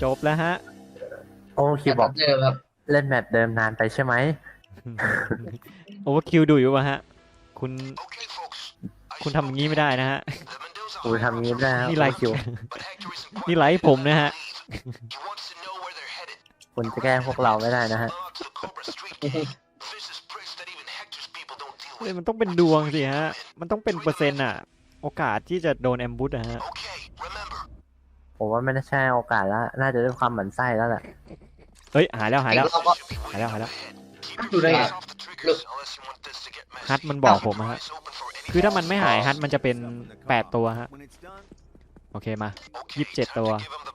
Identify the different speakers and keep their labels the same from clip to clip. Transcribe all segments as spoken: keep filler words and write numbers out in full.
Speaker 1: จบแล้วฮะ
Speaker 2: โอ้คิวบอก
Speaker 3: เจอครับ
Speaker 2: เล่นแมปเดิมนานไปใช่ไหม
Speaker 1: โอเวอร์คิวดูอยู่ป่ะฮะคุณคุณทำอย่างนี้ไม่ได้นะฮะ
Speaker 2: กูทำงี้ได้ครับ
Speaker 1: นี่ไล
Speaker 2: โอ้
Speaker 1: ฟ์
Speaker 2: คิว
Speaker 1: นี่ไลฟ์ผมนะฮะ
Speaker 2: คุณจะแกล้งพวกเราไม่ได้นะฮะ
Speaker 1: เฮ้ยมันต้องเป็นดวงสิฮะมันต้องเป็นเปอร์เซ็นต์อะโอกาสที่จะโดนแอมบูชอะฮะ
Speaker 2: ผมว่าไม่น่าใช่โอกาสแล้วน่าจะด้วยความหมั่นไส้แล้วแหละ
Speaker 1: เฮ้ยหายแล้วหายแล้ว
Speaker 3: เราก็
Speaker 1: หายแล้วหายแล้ว
Speaker 4: ดูได้ไง
Speaker 1: ฮัทมันบอกผมอะฮะคือถ้ามันไม่หายฮัทมันจะเป็นแปดตัวฮะโอเคมายี่สิบเจ็ดตัว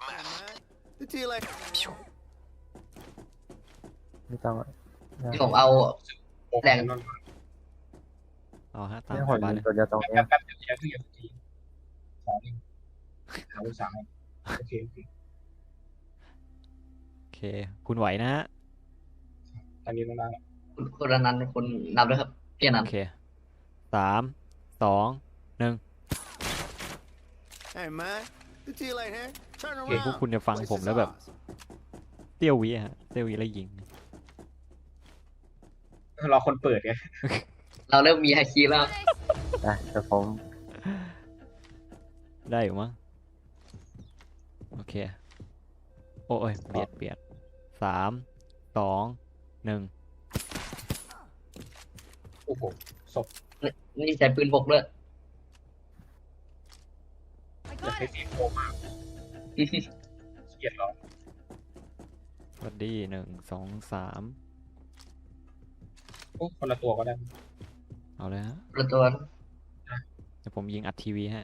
Speaker 2: ไม่ต้อง
Speaker 3: ที่ผมเอาแรง
Speaker 1: เอาฮะตาม
Speaker 2: ไม่
Speaker 1: ส
Speaker 2: หด
Speaker 1: บายเลย
Speaker 2: ตัวเดียวตรง
Speaker 4: แป๊
Speaker 2: เนี้
Speaker 4: บ
Speaker 2: ย
Speaker 4: แป๊บเดี๋ยวเดี๋ยวเดี๋ยวสองหนึ่งหาสามโอเคโอเค
Speaker 1: โอเคคุณไหวนะฮะ
Speaker 4: ตอนนี้ต้องได้
Speaker 3: คุณคุณอนันต์คุณนับด้วยครับพี่อนัน
Speaker 1: โอ
Speaker 3: ต์
Speaker 1: เคสามสองหนึ่ง
Speaker 5: Hey man, the tea light here. Turn
Speaker 1: เองพวก
Speaker 5: around.
Speaker 1: คุณจะฟังผมแล้วแบบเตี้ยววิอะฮะเตี้ยววิแล้วยิง
Speaker 4: รอคนเปิดไง
Speaker 3: เราเริ่มมีไฮคีแล้ว
Speaker 2: นะแต่ผม
Speaker 1: ได้อยู่มั้งโอเคโอ้ยเบียดเบียดสามสองหนึ่ง
Speaker 4: โอ้โหศพ
Speaker 3: นี่ใช้ปืนบกด้วย
Speaker 4: จะใช้ซีโฟมากเกลียดเหรอ
Speaker 1: สวัสดีหนึ่งสองสาม
Speaker 4: โอ้คนละตัวก็ได้
Speaker 1: เอาเลยฮะ
Speaker 3: ประตัว
Speaker 1: เดี๋ยวผมยิงอัดทีวีฮะ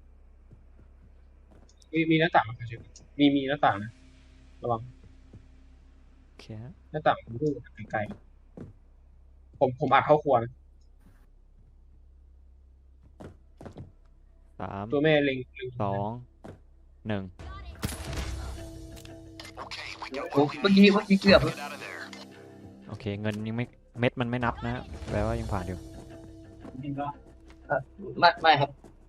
Speaker 4: มีมีหน้าต่างนะครับมีมีหน้าต่างนะระวัง
Speaker 1: โอเคฮะ
Speaker 4: หน้าต่างผมดูไกลๆผมผมอัดเข้าครัวนะ
Speaker 1: สาม
Speaker 4: ตัวแม่เล็งเล็ง
Speaker 1: สองหนึ่ง
Speaker 3: โอ้เมื่อกี้เมื่อกี้เกือบ
Speaker 1: โอเคเงินยังไม่เม็ดมันไม่นับนะแปลว่ายังผ่านอยู่
Speaker 3: ไม่ไม่ครับ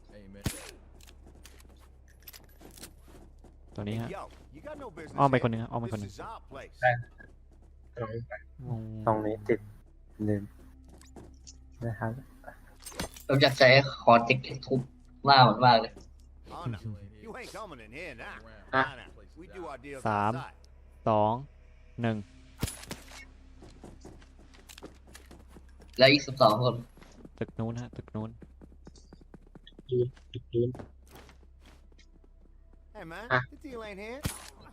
Speaker 1: ตัวนี้ฮะ
Speaker 5: Yo, you got no business
Speaker 1: อ้อมไป
Speaker 5: here.
Speaker 1: คนหนึงฮะอ้อมไปคนห
Speaker 5: This
Speaker 1: นึง
Speaker 5: is our place.
Speaker 4: กำลังไป
Speaker 1: งง
Speaker 2: ตรงนี้ติดลืมนะครับ
Speaker 3: ผมอยากใช้คอร์เจ็กทุบหน้ามันมากเลย
Speaker 5: Oh no, you ain't coming in here now.
Speaker 4: Ah.
Speaker 5: Nah, nah. We do our deals
Speaker 1: สาม
Speaker 5: outside.
Speaker 1: สองหนึ่ง
Speaker 3: แล้วอีกสิบสองคน
Speaker 1: ตึกนู้นฮะตึกนู้น
Speaker 4: ดูดูดู
Speaker 5: Hey man,
Speaker 4: Ah.
Speaker 5: the deal ain't here.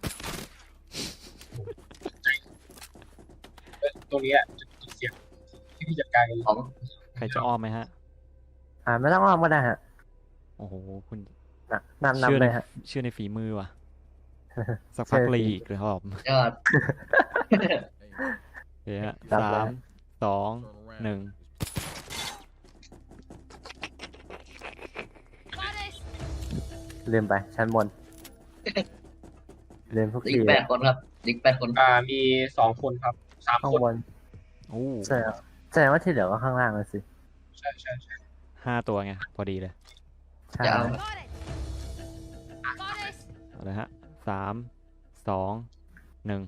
Speaker 4: ตรงนี้อ่ะจุดเสียงที่พี่จัดการกัน
Speaker 3: ของ
Speaker 1: ใครจะอ้อมไหมฮะ
Speaker 2: อ่าไม่ต้องอ้อมก็ได้ฮะ
Speaker 1: โอ้โหคุณ
Speaker 2: นะนำนำเลยฮะ
Speaker 1: เชื่อในฝีมือว่ะ สักพัก
Speaker 2: เชื่อ
Speaker 1: เลย
Speaker 2: ฝี
Speaker 1: อีกเลยครับ
Speaker 3: ยอด
Speaker 1: โอเคฮะ
Speaker 2: ครับ
Speaker 1: สามสองหนึ่ง
Speaker 2: ลืมไปชั้นบนลืมทุก
Speaker 3: อี
Speaker 2: ที
Speaker 3: กแปดคนครับอีกแปดคน
Speaker 4: อ่ามีสองคนครับสาม
Speaker 2: ข้าง
Speaker 4: คน
Speaker 2: บน
Speaker 1: โอ้
Speaker 2: แสดงแสดงว่าที่เหลือก็ข้างล่างเลยสิ
Speaker 4: ใช่ใช่ใช่
Speaker 1: ห้าตัวไงพอดีเลย
Speaker 2: ใช่
Speaker 3: จะเอา
Speaker 1: เอาเลยฮะสามสองหนึ่ง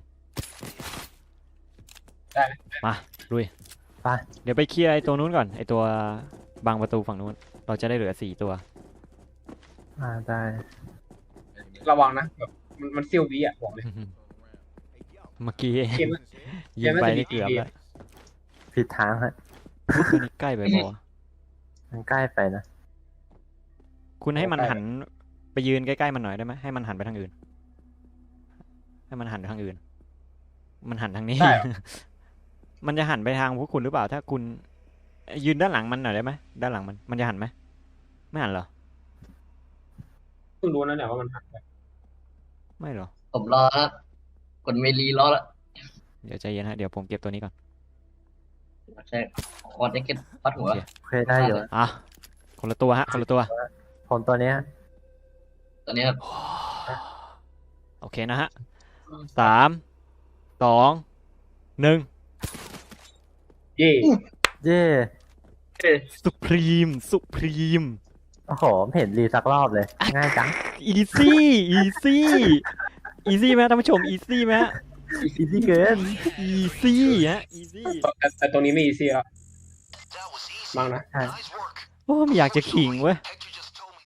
Speaker 4: ได้ไหม
Speaker 1: มาลุย
Speaker 2: ไป
Speaker 1: เดี๋ยวไปเคลียร์ไอ้ตัวนู้นก่อนไอ้ตัวบังประตูฝั่งนู้นเราจะได้เหลือสี่ตัว
Speaker 2: อ่าได้
Speaker 4: ระวังนะแบบมันมันเซียววิอ่ะบอกเลย
Speaker 1: เมื่อกี้
Speaker 4: เกม
Speaker 1: ยิงไปนี่เกือบแล้ว
Speaker 2: ผิดทางฮะ
Speaker 1: ตัวนี้ใกล้ไปปะวะ
Speaker 2: มันใกล้ไปนะ
Speaker 1: คุณให้มันหันไปยืนใกล้ๆมันหน่อยได้ไหมให้มันหันไปทางอื่น ให้มันหันไปทางอื่น มันหันทางนี้
Speaker 4: ได้เหรอ
Speaker 1: มันจะหันไปทางพวกคุณหรือเปล่า ถ้าคุณยืนด้านหลังมันหน่อยได้ไหมด้านหลังมันมันจะหันไหมไม่หันเหรอ
Speaker 4: เพิ่งรู้นั่นแหละว่ามันหักไป
Speaker 1: ไม่เหรอ
Speaker 3: ผมรอแล้วกดเมลีรอแล้ว
Speaker 1: เดี๋ยวใจเย็นฮะเดี๋ยวผมเก็บตัวนี้ก่อน
Speaker 3: ใช่คอร์เจ็กปัดหัว
Speaker 1: โอเค
Speaker 2: โอเคได้อยู่
Speaker 1: อ่ะคนละตัวฮะคนละตัว
Speaker 2: ผมตัวเนี้ย
Speaker 3: ตอนนี้ครับ
Speaker 1: โอเคนะฮะสามสองหนึ่ง
Speaker 4: เย่
Speaker 2: เย่
Speaker 1: สุพรีมสุพรีม
Speaker 2: โอ้โหไม่เห็นรีสักรอบเลย ง่ายจัง
Speaker 1: อีซี่อีซี่อีซี่ไหมท่านผู้ชมอีซี่ไหมฮะ
Speaker 2: อีซี่เกิน
Speaker 1: อีซี่ฮะอีซี่
Speaker 6: แต่แต่ตรงนี้ไม่อีซี่แล้วมั้งนะ
Speaker 2: ใช่
Speaker 1: โอ้ไม่อยากจะขิงเว้ย
Speaker 7: Picked